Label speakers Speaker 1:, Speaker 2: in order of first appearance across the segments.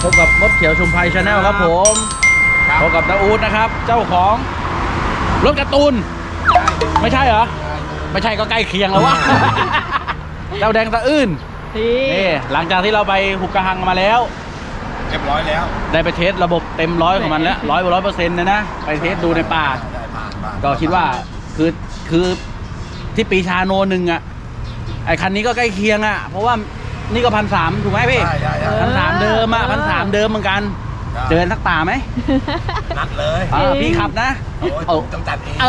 Speaker 1: พบกับมดเขียวชุมไพชาแนลครับผมพบกับตาอู๊ดนะครับเจ้าของรถการ์ตูนไม่ใช่เหรอไม่ใช่ก็ใกล้เคียงแล้ววะ เจ้าแดงตะอื้นนี่หลังจากที่เราไปหุบกระหังมาแล้ว
Speaker 2: เรียบร้อยแล้ว
Speaker 1: ได้ไปเทสระบบเต็มร้อยของมันแล้ว100%นะไปเทสดูในป่าก็คิดว่าคือที่ปีชาโนนึงอ่ะไอคันนี้ก็ใกล้เคียงอ่ะเพราะว่านี่ก็1,300ถูกไหมพี่1,300เดิมอ่ะ1,300เดิมเหมือนกันเจอนักป่าไหม
Speaker 2: นัดเลย
Speaker 1: พี่ขับนะ
Speaker 2: ต้องจัดเอง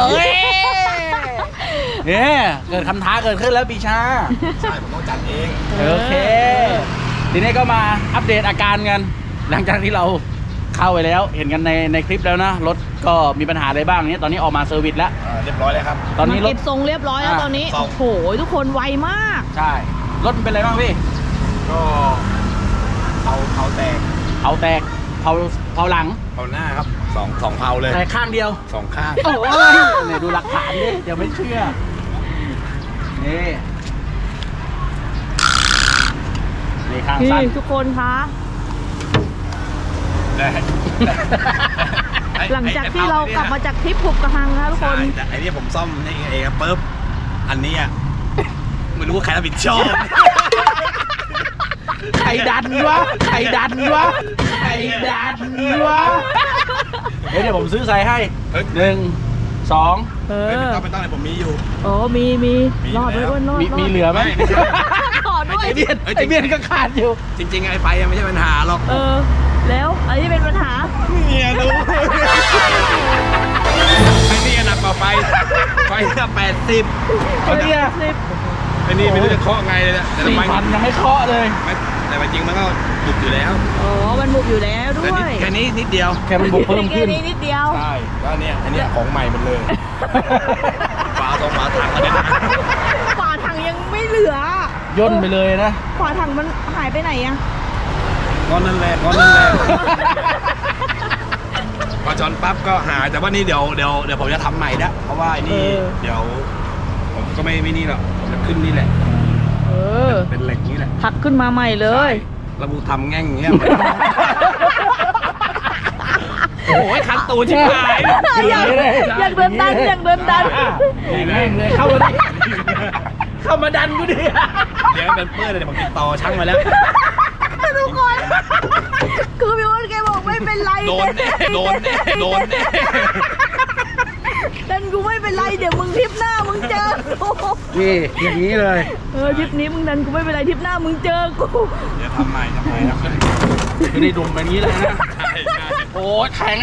Speaker 1: เนี่ยเกิดคำท้าเกิดขึ้นแล้วปีชา
Speaker 2: ใช่ผมต้องจัดเอง
Speaker 1: โอเคทีนี้ก็มาอัปเดตอาการกันหลังจากที่เราเข้าไปแล้วเห็นกันในคลิปแล้วนะรถก็มีปัญหาอะไรบ้างเนี่ยตอนนี้ออกมาเซอร์วิสแล้ว
Speaker 2: เรียบร้อยเลยครับ
Speaker 1: ตอนนี้รถ
Speaker 3: เก็บทรงเรียบร้อยแล้วตอนนี้โอ้โหทุกคนไวมาก
Speaker 1: ใช่รถมันเป็นอะไรบ้างพี่
Speaker 2: ก็เขาแตก
Speaker 1: เผาหลัง
Speaker 2: เผาหน้าครับสองเผาเลย
Speaker 1: แต่ข้างเดียว
Speaker 2: 2ข้าง
Speaker 1: โอ้ยเนี่ยดูหลักฐานดิเดี๋ยวไม่เชื่อนี่ข้างสั้น
Speaker 3: ทุกคนคะหลังจากที่เรากลับมาจากทริปหุบกระหังนะทุกคน
Speaker 2: แต่ไอ้นี่ผมซ่อมนี่เองปุ๊บอันนี้อ่ะไม่รู้ว่าใครรับผิดชอบ
Speaker 1: ใครดันวะเดี๋ยวผมซื้อใส่ให้1 2
Speaker 2: ไม่ต้องเลยผมมีอยู่
Speaker 3: โอ้มีรอดด้วยรอด
Speaker 1: มีเหลือไหม
Speaker 3: ขอด้วย
Speaker 1: ไอเบียนก็ขาดอยู่
Speaker 2: จริงๆไอ้ไฟยังไม่ใช่ปัญหาหรอก
Speaker 3: แล้วอันนี้เป็นปัญหา
Speaker 2: เนี่ยดูไอ้นี่หนักกว่าไฟ80
Speaker 1: ไอ้
Speaker 2: นี่ไม่รู้จะเคาะไงเลยนะแต่
Speaker 1: 4,000ยังไม่เคาะเลย
Speaker 2: แต่จริงมันก็บุกอยู่แล้ว
Speaker 3: มันบุกอยู่แล้วด้วย
Speaker 2: แค่นี้นิดเดียว
Speaker 1: แค่มันบุกเพิ่มขึ้น
Speaker 3: แค่นี้นิดเดียว
Speaker 2: ใช่ก็เนี่ยอันนี้ของใหม่หมดเลยฝาถังอะไรนะ
Speaker 3: ฝาถังยังไม่เหลื
Speaker 1: อย่นไปเลยนะ
Speaker 3: ฝาถังมันหายไปไหนอะ
Speaker 2: ก้อนนั่นแหละพอจอนปั๊บก็หายแต่ว่านี่เดี๋ยวผมจะทำใหม่นะเพราะว่าไอ้นี่เดี๋ยวผมก็ไม่นี่หรอกจะขึ้นนี่แหละเป็นเหล็กนี้แหละ
Speaker 3: หักขึ้นมาใหม่เลย
Speaker 2: ระบุทำแง่งเงี้ยโอ้ยคันตูนชิบหาย
Speaker 3: อยากเดินดันแง่ง
Speaker 1: เลยเข้ามาดันกูดิ
Speaker 2: เดี๋ยวเป็นเปื้อนเลยผมติดต่อช่างมาแล้ว
Speaker 3: ทุกคนคือพี่อ้นแกบอกไม่เป็นไร
Speaker 2: โดนแน่
Speaker 3: ดันกูไม่เป็นไรเดี๋ยวมึงทริปหน้ามึงเจอกู
Speaker 1: นี่อย่างนี้เลย
Speaker 3: ทริปนี้มึงดันกูไม่เป็นไรทริปหน้ามึงเจอกู
Speaker 2: เดี๋ยวทำใหม่
Speaker 1: ไม่ได้ดุมแบบนี้เลยนะโอ้แข็ง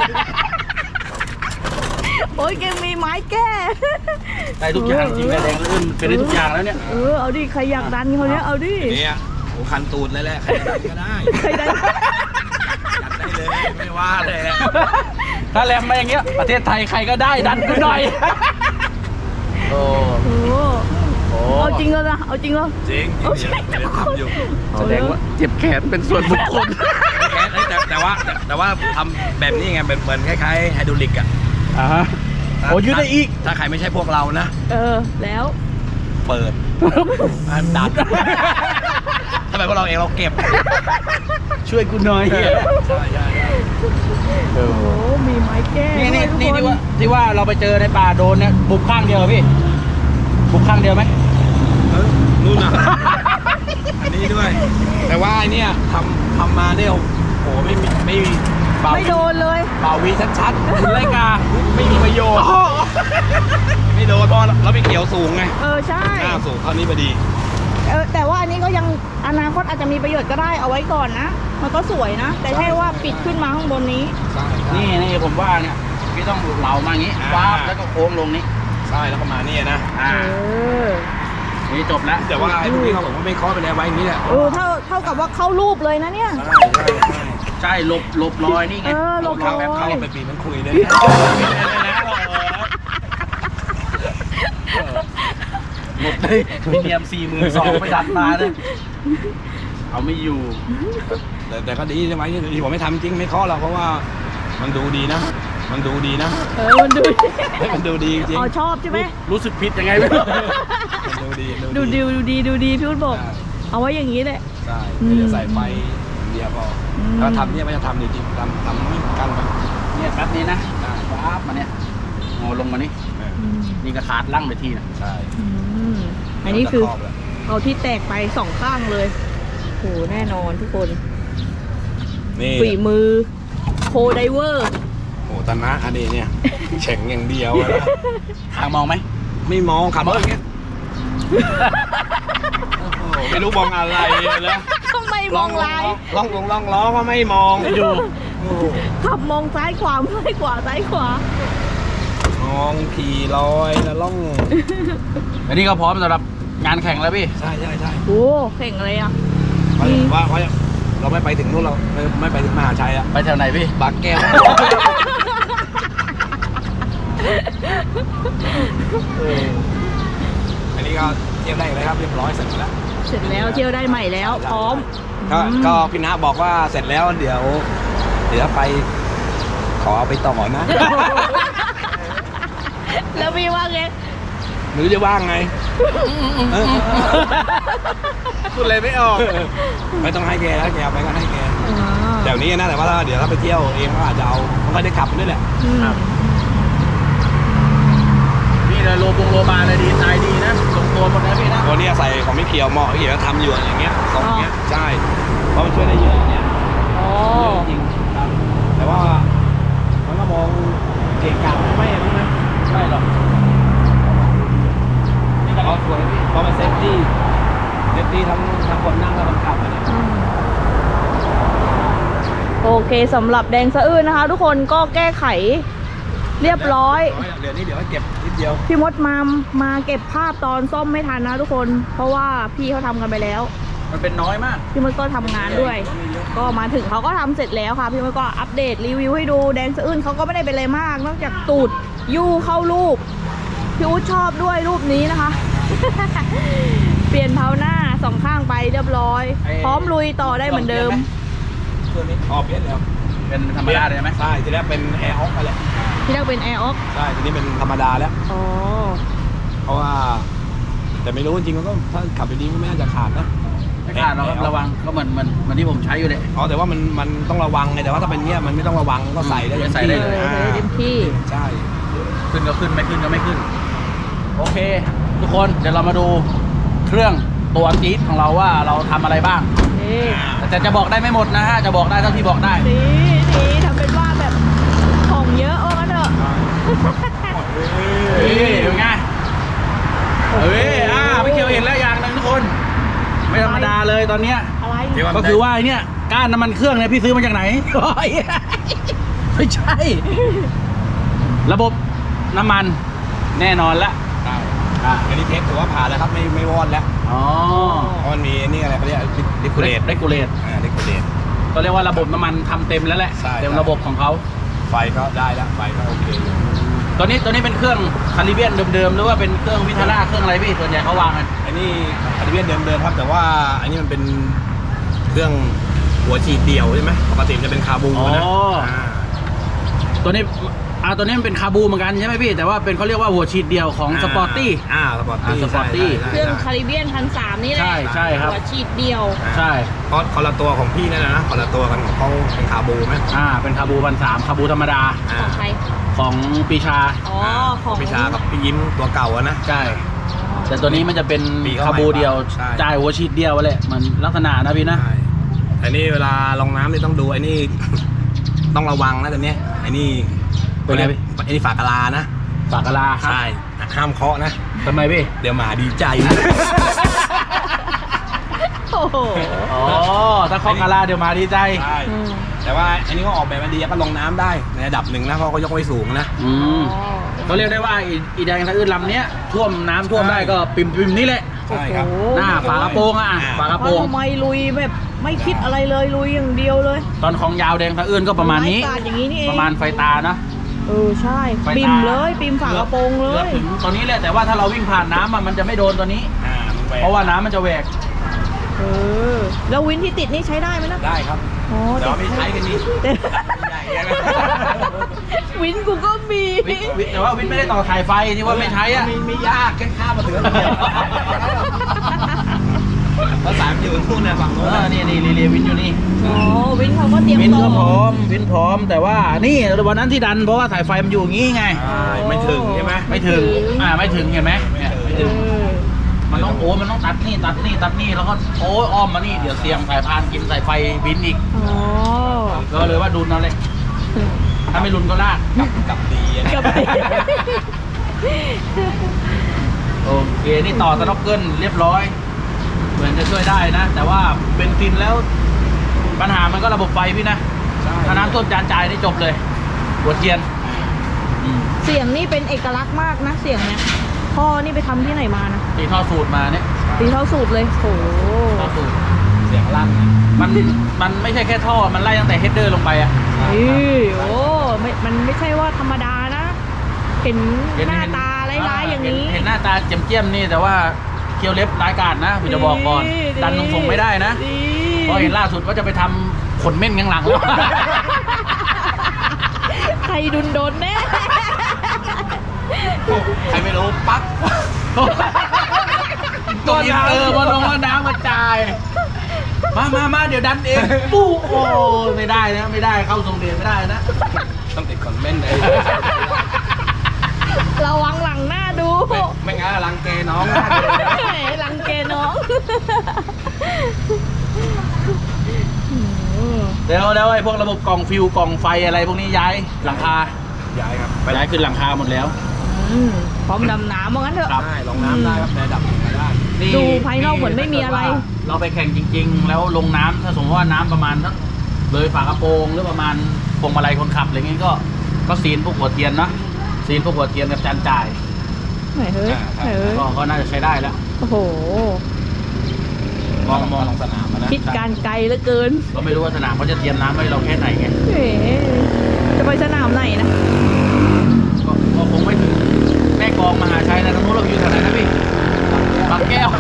Speaker 3: โอ้ยแกมีไม้แก้
Speaker 1: ได้ทุกอย่างจริงแรงลื่นเป็นได้ทุกอย่างแล้วเนี่ย
Speaker 3: เอาดิใครอยากดันเขาเนี้ยเอาดิ
Speaker 2: เนี่ยโอ้คันตูดเลยแหละใครดันก็ได้
Speaker 3: ใครดัน
Speaker 2: ได้เลยไม่ว่าเลย
Speaker 1: ถ้าแรมมาอย่างเงี้ยประเทศไทยใครก็ได้ดันกูหน่อยโอ้
Speaker 3: เอาจริงแล้วนะเอาจริงแล้ว
Speaker 2: จริงอยู่
Speaker 1: แสดงว่าเจ็บแขนเป็นส่วนบุคคล
Speaker 2: แขนแต่ว่าทำแบบนี้ไงเป็นเหมือนคล้ายๆไฮดรอลิกอ่ะ
Speaker 1: โอ้ยืดได้อีก
Speaker 2: ถ้าใครไม่ใช่พวกเรานะ
Speaker 3: แล้ว
Speaker 2: เปิดดันทำไมพวกเราเองเราเก็บ
Speaker 1: ช่วยกูหน่อย
Speaker 2: ใช่
Speaker 3: โอ้มีไม้แก้
Speaker 1: นี่ที่ว่าเราไปเจอในป่าโดนเนี่ยบุกข้างเดียวพี่บุกข้างเดียวไหม
Speaker 2: นู่นน่ะอันนี้ด้วยแต่ว่าไอเนี่ยทำมาเนี่ยโอ้ไม่
Speaker 3: โดนเลย
Speaker 2: เบาวีชัดๆคุณไล่กาไม่มีประโยชน์ไม่โดนเพราะเราไปเกี่ยวสูงไง
Speaker 3: ใช่
Speaker 2: หน้าสูงเท่านี้พอดี
Speaker 3: แต่ว่าอันนี้ก็ยังอนาคตอาจจะมีประโยชน์ก็ได้เอาไว้ก่อนนะมันก็สวยนะแต่แค่ว่าปิดขึ้นมาข้างบนนี้
Speaker 1: นี่ผมว่าเนี่ยพี่ต้องเหลามาอย่างนี้วาบแล้วก็โค้งลงนี้
Speaker 2: ใช่แล้วก็มานี่นะ
Speaker 1: นี่จบแล้ว
Speaker 2: แต่ว่าไอ้พวกนี้เขาบอกว่าไม่เคาะไปแล้วไว้อย่างนี้แหละ
Speaker 3: เท่ากับว่าเข้ารูปเลยนะเนี่ย
Speaker 1: ใช่หลบรอยนี่ไง
Speaker 3: หลบรอย
Speaker 2: เข้าไปปีมันคุยเลย
Speaker 1: หมดเลยมีเนียม42,000ไปดันมาเลยเอาไม่อยู่
Speaker 2: แต่ก็ดีใช่ไหมที่ผมไม่ทำจริงไม่เคาะหรอกเพราะว่ามันดูดีนะมันดูดีจริง
Speaker 3: ชอบใช่ไหม
Speaker 1: รู้สึกผิดยังไงไม่รู้
Speaker 3: ดูดีพี่อุ้นบอกเอาไว้อย่างนี้แหละ
Speaker 2: ใช่จะใส่ไฟเดียวดียวพอถ้าทำเนี่ยไม่จะทำจริงๆทำไม่กันไป
Speaker 1: เนี่ยแป๊บนี้นะปั๊บมาเนี่ยงอลงมานี่นี่ก็ขาดลั่งไปทีนะ
Speaker 2: ใช่
Speaker 3: อันนี้คือเอาที่แตกไป2 ข้างเลยโหแน่นอนทุกคน
Speaker 2: นี่
Speaker 3: ฝีมือโคไดเวอร์
Speaker 2: โอ้ตานะอันนี้เนี่ยเฉ่งอย่างเดียวนะ
Speaker 1: ทางมองไหม
Speaker 2: ไม่มองขับรถอย่างเงี้ยไม่รู้มองอะไรเลย
Speaker 3: ทำไมมองลาย
Speaker 2: ลองล้อก็ไม่มองอยู่
Speaker 3: ขับมองซ้ายขวาซ้ายขวาซ้ายขวาม
Speaker 2: องขี่ลอยแล้วล่อง
Speaker 1: อันนี้ก็พร้อมสำหรับงานแข่งแล้วพี่
Speaker 2: ใช่
Speaker 3: โอ้เข่งอะไรอ่ะ
Speaker 2: ว่าเราไม่ไปถึงนู่นเราไม่ไปถึงมหาชัยอะ
Speaker 1: ไปแถวไหนพี่
Speaker 2: บางแก้วอันนี้ก็เที่ยวได้เลยครับเรียบร้อยเสร็จแล้ว
Speaker 3: เสร็จแล้วเที่ยวได้ใหม่แล้ว พร้อม
Speaker 2: ก็พี่นะบอกว่าเสร็จแล้วเดี๋ยวไปขอเอาไปต่อนะ
Speaker 3: แล้วพี่ว่าไง
Speaker 2: หรือจะว่างไงพูดเลยไม่ออกไม่ต้องให้แกแล้วแกเอาไปก็ให้แกเดี๋ยวนี้นะแต่ว่าเดี๋ยวถ้าไปเที่ยวเองก็อาจจะเอามันก็ได้ขับด้วยแหละ
Speaker 1: นี่เลยโลบาเลยดีไซน์ดีนะลงตัวหมดนะพี่นะ
Speaker 2: ตัวนี้ใส่ของไม่เกี่ยวเหมาะเกี่ยวทำอยู่อย่างเงี้ยสองเงี้ยใช่เพราะมันช่วยได้เยอะเนี่ย
Speaker 3: อ๋อ
Speaker 2: จริงครับแต่ว่ามันก็มองเกะกะไม่นะ
Speaker 1: ใช่หรอกนี่ก็
Speaker 2: เพราะสวยพี่เพราะมันเซฟตี้ทั้งคนนั่งและคนขับอะเนี่ย
Speaker 3: โอเคสำหรับแดงสะอื้นนะคะ ทุกคนก็แก้ไขเรียบร้อย
Speaker 2: เดี๋ยวนี้เดี๋ยวให้เก็บนิดเดียว
Speaker 3: พี่มดมาเก็บภาพตอนซ่อมไม่ทันนะทุกคน เพราะว่าพี่เขาทำกันไปแล้ว
Speaker 1: มันเป็นน้อยมาก
Speaker 3: พี่มดก็ทำงานด้วย ก็มาถึงเขาก็ทำเสร็จแล้วค่ะ พี่มดก็อัปเดตรีวิวให้ดูแดงสะอื้นเขาก็ไม่ได้เป็นอะไรมาก นอกจากตูดยู่เข้ารูปพี่อุ๊ดชอบด้วยรูปนี้นะคะ เปลี่ยนเท้าหน้า2 ข้างไปเรียบร้อย พร้อมลุยต่อได้เหมือนเดิม
Speaker 2: ตัวนี้เปลี่ยนแล้ว
Speaker 1: เป็นธรรมดาเลยไหม
Speaker 2: ใช่ทีแรกเป็นแอร์ออฟไปแหละ
Speaker 3: ที่แรกเป็นแอร์ออก
Speaker 2: ใช่ทีนี้เป็นธรรมดาแล้ว
Speaker 3: อ๋อ
Speaker 2: เพราะว่า แต่ไม่รู้จริงๆมันก็ถ้าขับไปดีก็ไม่น่าจะขาดนะ
Speaker 1: ไม่ขาดหรอกครับระวังก็เหมือนที่ผมใช้อยู่เลย
Speaker 2: อ๋อแต่ว่ามันต้องระวังไงแต่ว่าถ้าเป็นเนี้ยมันไม่ต้องระวังก็ใส่ได้
Speaker 1: ใส่ได้เลย
Speaker 3: ใส่ได้เต็มที่
Speaker 2: ใช่
Speaker 1: ขึ้นก็ขึ้นไม่ขึ้นก็ไม่ขึ้น โอเค ทุกคนเดี๋ยวเรามาดูเครื่องตัวจี๊ดของเราว่าเราทำอะไรบ้าง
Speaker 3: นี่
Speaker 1: แต่จะบอกได้ไม่หมดนะฮะจะบอกได้เท่าที่บอกได้
Speaker 3: นี่ทำเป็นว่าแบบของเยอะว่างั้นเถอะ
Speaker 1: เฮ้ยเป็นไงเฮ้ยไม่เกี่ยวเห็นแล้วอย่างหนึงทุกคน ไม่ธรรมดาเลยตอนเนี้ย
Speaker 3: อะไร
Speaker 1: ก็คือว่าไอ้เนี่ยก้านน้ำมันเครื่องเนี่ยพี่ซื้อมาจากไหน ไม่ใช่ ระบบน้ำมันแน่นอนละ
Speaker 2: อันนี้เทสถือว่าผ่านแล้วครับไม่วอดแล้ว
Speaker 1: อ๋อ
Speaker 2: เพราะมันมีนี่อะไรเขาเรียกดิคูเลต
Speaker 1: เรกูเลต
Speaker 2: ดิคูเลต
Speaker 1: ก็เรียกว่าระบบน้ำมันทำเต็มแล้วแหละ
Speaker 2: ใช่
Speaker 1: เต็มระบบของเขา
Speaker 2: ไฟก็ได้แล้วไฟก็โอเค
Speaker 1: ตัวนี้เป็นเครื่องคาริเบียนเดิมๆหรือว่าเป็นเครื่องวิทาร่าเครื่องอะไรพี่ส่วนใหญ่เขาวางกัน
Speaker 2: อันนี้คาริเบียนเดิมๆครับแต่ว่าอันนี้มันเป็นเครื่องหัวฉีดเดี่ยวใช่ไหมปกติมันจะเป็นคาบูนะ
Speaker 1: ตัวนี้ตัวนี้มันเป็นคาบูเหมือนกันใช่ไหมพี่แต่ว่าเป็นเขาเรียกว่าหัวฉีดเดียวของสปอร์ตี้
Speaker 2: สปอร์ตี้
Speaker 1: สปอร์ตี้
Speaker 3: เครื่องคาริเบียน1,300นี่แหละ
Speaker 1: ใช่ครับ
Speaker 3: หัวฉีดเดียว
Speaker 1: ใช่
Speaker 2: เพราะคนละตัวของพี่นั่นนะคนละตัวกันของเขาเป็นคาบูไหม
Speaker 1: เป็นคาบู1,300คาบูธรรมดา
Speaker 3: ของใคร
Speaker 1: ของปีชา
Speaker 3: อ๋อ ของ
Speaker 2: พิชากับพี่ยิ้มตัวเก่าอะนะ
Speaker 1: ใช่แต่ตัวนี้มันจะเป็น
Speaker 2: ปีเข้า
Speaker 1: คาบูเดียว
Speaker 2: ใช่
Speaker 1: จ่ายหัวฉีดเดียวแหละมันลักษณะนะพี่นะ
Speaker 2: ใช่แต่นี่เวลาลงน้ำนี่ต้องดูไอ้นี่ ต้องระวังนะตัวเนี้ยไอ้นี่
Speaker 1: เป็นไงพี่
Speaker 2: ไอ้นี่ฝากกะลานะ
Speaker 1: ฝากกะลา
Speaker 2: ใช่ห้ามเคาะนะ
Speaker 1: ทำไมพี่
Speaker 2: เดี๋ยวหมาดีใจ
Speaker 3: โอ้โห
Speaker 1: อ๋อถ้าเคาะกะลาเดี๋ยวมาดีใจ
Speaker 2: ใช่แต่ว่าอันนี้ก็ออกแบบมาดีก็ลงน้ำได้ในระดับหนึ่งนะเพราะก็ยกไว้สูงนะ
Speaker 1: เขาเรียกได้ว่าอีแดงสะอื้นลำเนี้ยท่วมน้ำท่วมได้ก็ปิ่มนี่แหละ
Speaker 2: ใช่ครับ
Speaker 1: หน้าฝากระโปรงฝากระโปรง
Speaker 3: ทำไมลุยแบบไม่คิดอะไรเลยลุยอย่างเดียวเลย
Speaker 1: ตอนของยาวแดงสะอื้นก็ประมาณนี้
Speaker 3: ไกาดอย่างนี้นี่เอง
Speaker 1: ประมาณไฟตานะ
Speaker 3: ใช่
Speaker 1: ไฟตา
Speaker 3: ปิ่มเลยปิ่มฝากระโปรงเล
Speaker 1: กือบ
Speaker 3: ย
Speaker 1: ถึงตอนนี้แหละแต่ว่าถ้าเราวิ่งผ่านน้ำมันจะไม่โดนตัวนี้
Speaker 2: มันแหวก
Speaker 1: เพราะว่าน้ำมันจะแหวก
Speaker 3: แล้ววินที่ติดนี่ใช้ได้ไหมนะ
Speaker 2: ได้ครับ
Speaker 3: อ๋อ
Speaker 2: แต่ว่าไม่ใช้กันนี้
Speaker 3: แต่
Speaker 2: ใหญ่ยัง
Speaker 3: วินกูก็มี
Speaker 1: วิทย์แต่ว่าวิทย์ไม่ได้ต่อสายไฟที่ว่าไม่ใช้อ่ะ
Speaker 2: ไม่ยากแค่ข้ามมาถึงเดียวภาษาอยู่นู่นเนี่ยฝั่งนู้น
Speaker 1: นี่เรียวินอยู่นี่
Speaker 3: อ๋อวินเขาก็เตรียม
Speaker 1: วิน
Speaker 3: ต่
Speaker 1: ก็พร้
Speaker 3: อ
Speaker 1: อมวินพร้อมแต่ว่านี่วันนั้นที่ดันเพราะว่าสายไฟมันอยู่อย่างงี้ไง
Speaker 2: ไม่ถึงใช่ไหม
Speaker 1: ไม่ถึงไม่ถึงเห็นไหมเนี่ยไม่ถึง มันต้องมันต้องตัดนี่แล้วก็อ้อมมานี่เดี๋ยวเสียงสายพานกินสายไฟวินอีก
Speaker 3: อ๋อ
Speaker 1: ก็เลยว่าดุนเอาเลยถ้าไม่รุนก็ลาก
Speaker 2: กับดีอะ
Speaker 3: กับ
Speaker 1: โอเคนี่ต่อสน็อกเกิลเรียบร้อย เหมือนจะช่วยได้นะ แต่ว่าเบนซินแล้ว ปัญหามันก็ระบบไฟพี่นะถ้าน้ำท่วมจานจ่ายนี่จบเลยหัวเทียน
Speaker 3: เสียงนี่เป็นเอกลักษณ์มากนะเสียงเนี่ยพ่อนี่ไปทำที่ไหนมานะ
Speaker 1: ตีท่อสูตรมาเนี่ย
Speaker 3: ตีเท่าสูตรเลยโอ้
Speaker 1: ท่อสูตร
Speaker 2: เสียงลั่นนะ
Speaker 1: มันไม่ใช่แค่ท่อมันไล่ตั้งแต่เฮดเดอร์ลงไปอะ
Speaker 3: โอ้มันไม่ใช่ว่าธรรมดานะ เห็นหน้าตาร้ายๆอย่างนี้
Speaker 1: เห็นหน้าตาเจียมๆนี่แต่ว่าเคี้ยวเล็บร้ายกาจนะผมจะบอกก่อน ดันตรงๆไม่ได้นะเพราะเห็นล่าสุดว่าจะไปทำขนเม่นข้างหลังแล้ว
Speaker 3: ใครดุนโดนแน่
Speaker 2: ใครไม่รู้ปั๊ก
Speaker 1: ตัวอินเตอร์มาลงว่าน้ำกระจาย มาเดี๋ยวดันเองปู้โอ้ไม่ได้นะไม่ได้เข้าทรงเดชไม่ได้นะ
Speaker 2: ต้องติดคอนเมนต์เลย
Speaker 3: ระวังหลังหน้าดู
Speaker 2: ไม่งั้นรังเกน้อง
Speaker 3: หลังเกน้อง
Speaker 1: เดี๋ยวไอ้พวกระบบกล่องฟิวกล่องไฟอะไรพวกนี้ย้ายหลังคา
Speaker 2: ย้ายครับ
Speaker 1: ย้ายขึ้นหลังคาหมดแล้ว
Speaker 3: พร้อมดำน้ำว่างั้นเถอะ
Speaker 1: ครับ
Speaker 2: ได้ลงน้ำได้ครับในระดับหนึ่งได้
Speaker 3: ดูภายนอกเหมือนไม่มีอะไร
Speaker 1: เราไปแข่งจริง ๆ แล้วลงน้ำถ้าสมมติว่าน้ำประมาณสักเลยฝากระโปรงหรือประมาณพวงมาลัยคนขับอะไรเงี้ยก็ซีนพวกหัวเทียนนะซีนพวกหัวเทียนกับจานจ่าย
Speaker 3: ไหนเฮ้ยไหนเฮ้ย
Speaker 1: ก็น่าจะใช้ได้แล้ว
Speaker 3: โอ้โห
Speaker 1: มอง
Speaker 2: ลงสนามนะ
Speaker 3: คิดการไกลเหลือเกิน
Speaker 1: ก็ไม่รู้ว่าสนามเขาจะเตรียมน้ำไว้เราแค่ไหนไง
Speaker 3: เอ๋จะไปสนามไหนนะ
Speaker 1: ก็คงไม่ถึงแม่กลองมหาชัยนะตรงนู้นเราอยู่แถวไหนนะพี่บางแก้ว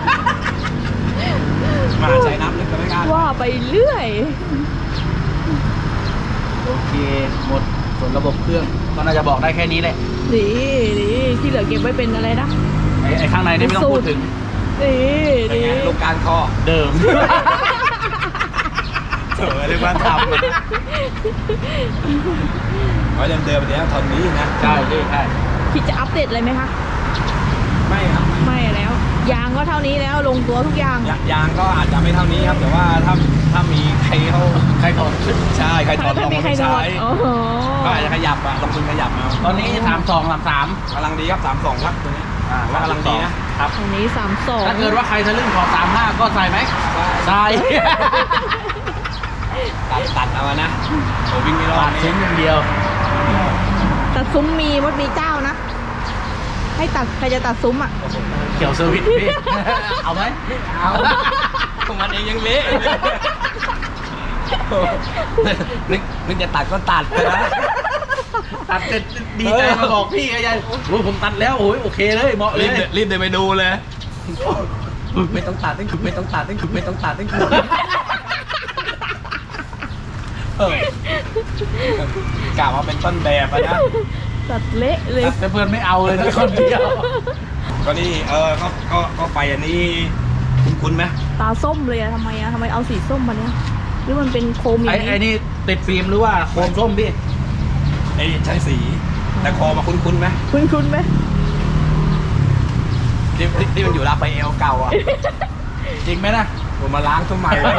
Speaker 2: มาใช้น้ำลึกก็ไม่กล้า
Speaker 3: ว่าไปเรื่อย
Speaker 1: โอเคหมดส่วนระบบเครื่องก็น่าจะบอกได้แค่นี้แหละ
Speaker 3: ดีที่เหลือเก็บไว้เป็นอะไรนะ
Speaker 1: ไอ้ข้างในนี่ไม่ต้องพูดถึง
Speaker 3: ดี
Speaker 2: ลูกการคอ
Speaker 1: เดิม
Speaker 2: เสือเรียกว่าทำไว้เดิมๆเนี้ยทนนี้นะ
Speaker 1: ใช่ใช่
Speaker 3: คิดจะอัปเดตอะไรไหมคะ
Speaker 2: ไม่ครับ
Speaker 3: ไม่แล้ว ยางก็เท่านี้แล้วลงตัวทุกอย่าง
Speaker 2: ยางก็อาจจะไม่เท่านี้ครับ แต่ว่าถ้ามีใครเขา
Speaker 1: ใครถอด
Speaker 2: ใช่ใครถอดล
Speaker 3: ถ้าง มี
Speaker 2: มา
Speaker 3: ใคร
Speaker 2: ไม่
Speaker 3: โด
Speaker 2: ใช้
Speaker 3: นโอ้โห
Speaker 2: ก็อาจจะขยับลงทุนขยับเอา
Speaker 1: ตอนนี้32 33
Speaker 2: กำลังดีครับ32ครับตัวนี้ว่ากำลังดีนะครับ
Speaker 3: อันนี้32
Speaker 1: ถ้าเกิดว่าใครทะลึ่งขอ35ก็ใส่ไหมใส่
Speaker 2: ตัดเอานะโอ้วิ่งไม่รอ
Speaker 1: ปา
Speaker 2: ด
Speaker 1: ดชิ้นอย่างเดียว
Speaker 3: ตัดซุ้มมีมดมีเจ้านะ ให้ตัดใครจะตัดซุ้มอ่ะ
Speaker 1: เขียวเซอร์วิสพี่ เอาไหม
Speaker 2: เอามันเองยังเละนึกจะตัดก็ตัดไปนะ
Speaker 1: ตัดเสร็จดีใจมาบอกพี่ไงยายโอ้ยผมตัดแล้วโอ้ยโอเคเลยเหมาะเลย
Speaker 2: รีบเดินไปดูเลย ไม่ต้องตัดตั้งไม่ต้องตัดตั้งไม่ต้องตัดตั้งกล่าวว่าเป็นต้นแบบอะนะ
Speaker 3: ตัดเละเลย
Speaker 1: แต่เพื่อนไม่เอาเลยนะคนเดียว
Speaker 2: ก็นี่ก็ไฟอันนี้คุ้นไหม
Speaker 3: ตาส้มเลยอะทำไมเอาสีส้มมาเนี่ยหรือมันเป็นโคมอย่าง
Speaker 1: ไอ้นี่ติดฟิล์มหรือว่าโคมส้มพี่
Speaker 2: ไอ้ใช้สี แต่คอมาคุ้นไหม
Speaker 3: คุ้นไหม
Speaker 2: ที่มันอยู่ราฟาเอลเก่าอ่ะ
Speaker 1: จริงไหมนะ
Speaker 2: ผมมาล้างตัวใหม่เลย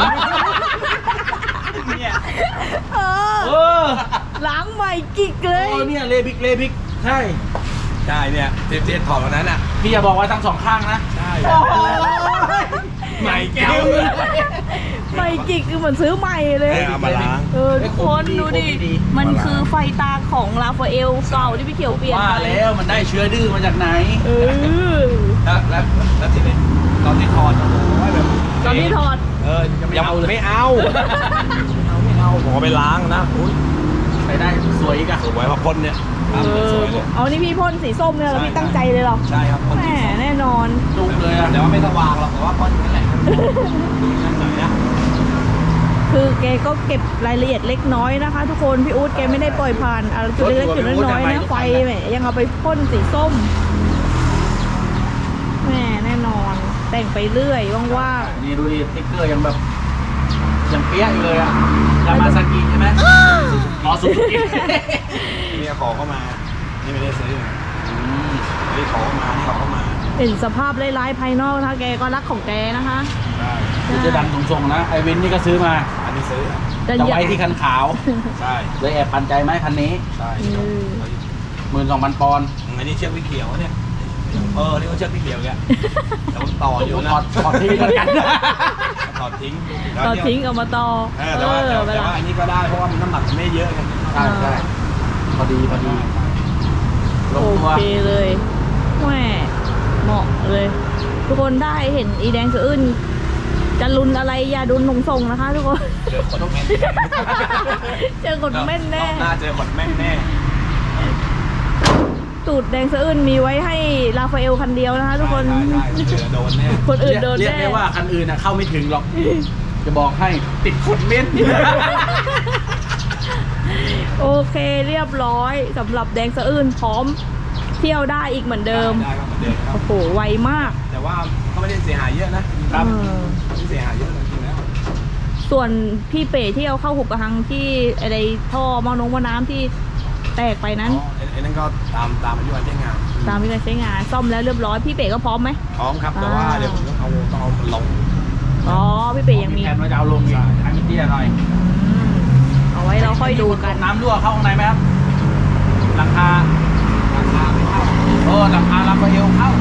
Speaker 2: เนี่ย
Speaker 3: เอ
Speaker 1: เอ
Speaker 3: อ
Speaker 1: อ
Speaker 3: ล้างใหม่กิกเลย
Speaker 1: โอ้เนี่ยเลพิกใช่
Speaker 2: ใช่เนี่ยที่ถอดวันนั้นอ่ะ
Speaker 1: พี่อย่าบอกว่าทั้งสองข้างนะ
Speaker 2: ใช่
Speaker 1: โอ้โห
Speaker 2: ใหม่แก้ว
Speaker 3: ใหม่กิกคือเหมือนซื้อใหม่เลย
Speaker 2: เอามาล้าง
Speaker 3: ทุกคนดูดิ มันคือไฟตาของราฟาเอลเก่าที่พี่เขียวเปลี่ยน
Speaker 1: ว่า
Speaker 3: ไป
Speaker 1: แล้วมันได้เชื้อดื้อมาจากไหน
Speaker 3: เออ
Speaker 2: แล้วทีนี้ตอนที่ถอดโอ้โหแบบ
Speaker 3: ตอนที่ถอด
Speaker 2: ยังไม่เอาผมเอาไปล้างนะอุ้ย
Speaker 1: ไปได้สวยอีกอะ
Speaker 2: สวยพอพ่นเนี่ยสวยเลย
Speaker 3: เอานี่พี่พ่นสีส้มเนี่ยแล้วพี่ตั้งใจเลยเหรอ
Speaker 2: ใช่ครับพ่น
Speaker 3: แหมแน่นอน
Speaker 1: จุกเลยอะ
Speaker 2: แต่ว่าไม่สว่างหรอกแต่ว่าพ่นนั่นแหละนั่นหน่อยนะ
Speaker 3: คือแกก็เก็บรายละเอียดเล็กน้อยนะคะ ทุกคนพี่อู๊ดแกไม่ได้ปล่อยผ่านอะไรจุดเล็กๆจุดน้อยๆนะไฟแหมยังเอาไปพ่นสีส้มแหมแน่นอน แแต่งไปเรื่อยว่าง
Speaker 1: นี่ดูดิสติ๊กเกอร์ยังแบบยังเปี้ยอยู่เลยอะยามาซากิใช่ไหมอ๋อซูซูกิ
Speaker 2: นี่ขอเข้ามานี่ไม่ได้ซื้อนะนี่ขอเข้ามานี่ขอเข้ามา
Speaker 3: ๆเห็นสภาพร้ายๆภายนอกนะคะแกก็รักของแกนะคะ
Speaker 2: ได้
Speaker 1: คือจะดันส่งๆนะไอวินนี่ก็ซื้อมา
Speaker 2: อันนี้ซื้อ
Speaker 3: แต่
Speaker 1: จะ
Speaker 3: อย่า
Speaker 1: ไว้ที่คันขาว
Speaker 2: ใช่
Speaker 1: เลยแอบปันใจไหมคันนี้
Speaker 2: ใช่
Speaker 1: 12,000 ปอนด์
Speaker 2: อันนี้เชือกวิเขียวเนี่ยนี่เขาเชือกวิเขียวแกแต่ผมต่ออยู่นะ
Speaker 1: ถอดทิ้งเหมือนกัน
Speaker 2: ถอดทิ้ง
Speaker 3: ต่อทิ้งเอามาต่อ
Speaker 2: แต่ว่า
Speaker 3: เวลา
Speaker 2: อันนี้ก็ได้เพราะว่ามันน้ำหนักไม่เยอะไง
Speaker 1: ใช่ใช่พอดีล
Speaker 3: โอง
Speaker 1: ตัว
Speaker 3: เคเลยแหม่เหมาะเลย ทุกคนได้เห็นอีแดงสะอื้นจะลุนอะไรอย่าดุนหนงส่งนะคะ ทุกคน
Speaker 2: เจอคนแม่น
Speaker 3: เจอคนแม่นแน่
Speaker 2: รอบหน้าเจอคนแม่นแน่
Speaker 3: ตูดแดงสะอื้นมีไว้ให้ราฟาเอลคันเดียวนะคะ ทุกคน
Speaker 2: ได้เจอโดนแน่
Speaker 3: คนอื่นโดน
Speaker 1: เรียก
Speaker 3: แน่
Speaker 1: ได้ว่าคันอื่นเข้าไม่ถึงหรอก จะบอกให้ติดขดเม็ด
Speaker 3: โอเคเรียบร้อยสำหรับแดงสะอื้นพร้อมเที่ยวได้อีกเหมือนเดิม
Speaker 2: ได้ครับเหมือนเดิมครับ
Speaker 3: โอ้โหไวมาก
Speaker 2: แต่ว่าก็ไม่ได้เสียหายเยอะนะ
Speaker 3: เออ
Speaker 2: ไม่เสียหายเยอะจริงๆแล้ว
Speaker 3: ส่วนพี่เป๋ที่เอาเข้าหุบกระหังที่อะไรท่อมอน้ำที่แตกไปนั้น
Speaker 2: ไอ้นั่นก็ตามอายุการใช้งาน
Speaker 3: ตามที่การใช้งานซ่อมแล้วเรียบร้อยพี่เป๋ก็พร้อมไหม
Speaker 2: พร้อมครับแต่ว่าเดี๋ยวผมต้องเอามันลง
Speaker 3: อ๋อพี่เป๋ยังมี
Speaker 1: แผนว่าจะเอาลงอีกทางอินเดียหน่อย
Speaker 3: เอาไว้เราค่อยดูกัน
Speaker 1: น้ำรั่วเข้าข้างในไหมครับหลังคาไม่เข้าหลังคาลำบะเอวเข้า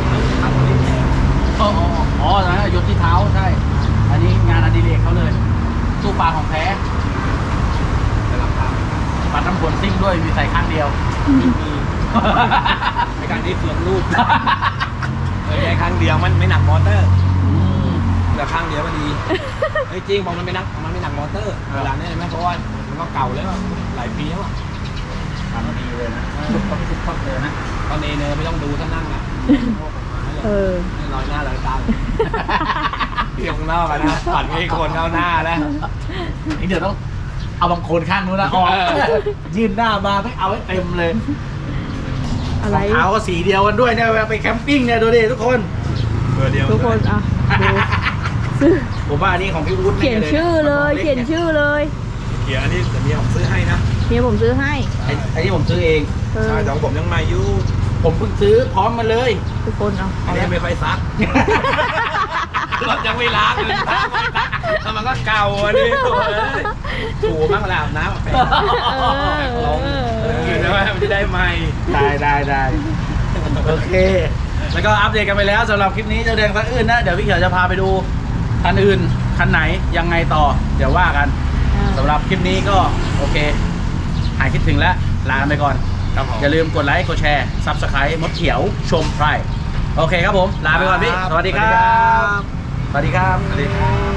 Speaker 1: อ๋อนะยศที่เท้าใช่ อันนี้งานอดิเรกเขาเลยตู้ปลาของแท้
Speaker 2: แต่ราคา
Speaker 1: ปัดน้ำฝนซิ่งด้วยมีใส่ข้างเดียว
Speaker 2: มีในการที่เฟืองรูดแค่ข้างเดียวมันไม่หนักมอเตอร์แต่ข้างเดียวก็ดีจริงบอกมันไม่หนักมอเตอร์เวลานี้ใช่ไหมเพราะว่ามันก็เก่าแล้วหลายปีแล้วอ่ะ
Speaker 1: ทำดีเลยนะทุกคนเลยนะ
Speaker 2: ตอนนี้เนยไม่ต้องดูท่านั่งอ่ะ
Speaker 3: เออ
Speaker 2: ลอยหน้าลอยตาเที่ยวข้างนอกอะนะปัดให้คนเข้าหน้าแล้ว
Speaker 1: นี่เดี๋ยวต้องเอาบางคนข้างนู้นนะออกยื่นหน้ามาไม่เอาให้เต็มเลย
Speaker 3: อะไร
Speaker 1: รองเท้าก็สีเดียวกันด้วยเนี่ยเวลาไปแคมปิ้งเนี่ยดูดิทุกคน
Speaker 2: เบอร์เดียว
Speaker 3: ทุกคนอ่ะดูซื้อ
Speaker 1: ผมว่าอันนี้ของพี่วุฒิ
Speaker 3: เขียนชื่อเลยเขียนชื่อเลย
Speaker 2: เขียนอันนี้แต่เมียผมซื้อให้นะ
Speaker 3: เมียผมซื้อให้
Speaker 1: ไอ้ที่ผมซื้อเอง
Speaker 3: เออ
Speaker 2: ใช่แต่ของผมยังใหม่อยู่
Speaker 1: ผมเพิ่งซื้อพร้อมมาเลย
Speaker 3: ทุกคนเอา
Speaker 2: อันนี้ไม่ค่อยซักรถยังไม่ล้างเลยแล้วมันก็เก่าอันนี้ถูบ้างเวลาอาบน้ำไปลงใช่ไหมมันจะได้ใหม่
Speaker 1: ได้โอเค แล้วก็อัปเดตกันไปแล้วสำหรับคลิปนี้เจ้าแดงคันอื่นนะเดี๋ยวพี่เขียวจะพาไปดูคันอื่นคันไหนยังไงต่อ เดี๋ยวว่ากันสำหรับคลิปนี้ก็โอเคหายคิดถึงแล้วลากันไปก่อน
Speaker 2: ครับผม
Speaker 1: อย่าลืมกดไลค์กดแชร์ Subscribe มดเขียวชมไพรโอเคครับผม ลาไปก่อนพี่ สวัสดีครับ สวัสดีครับ
Speaker 2: สวัสดีครับ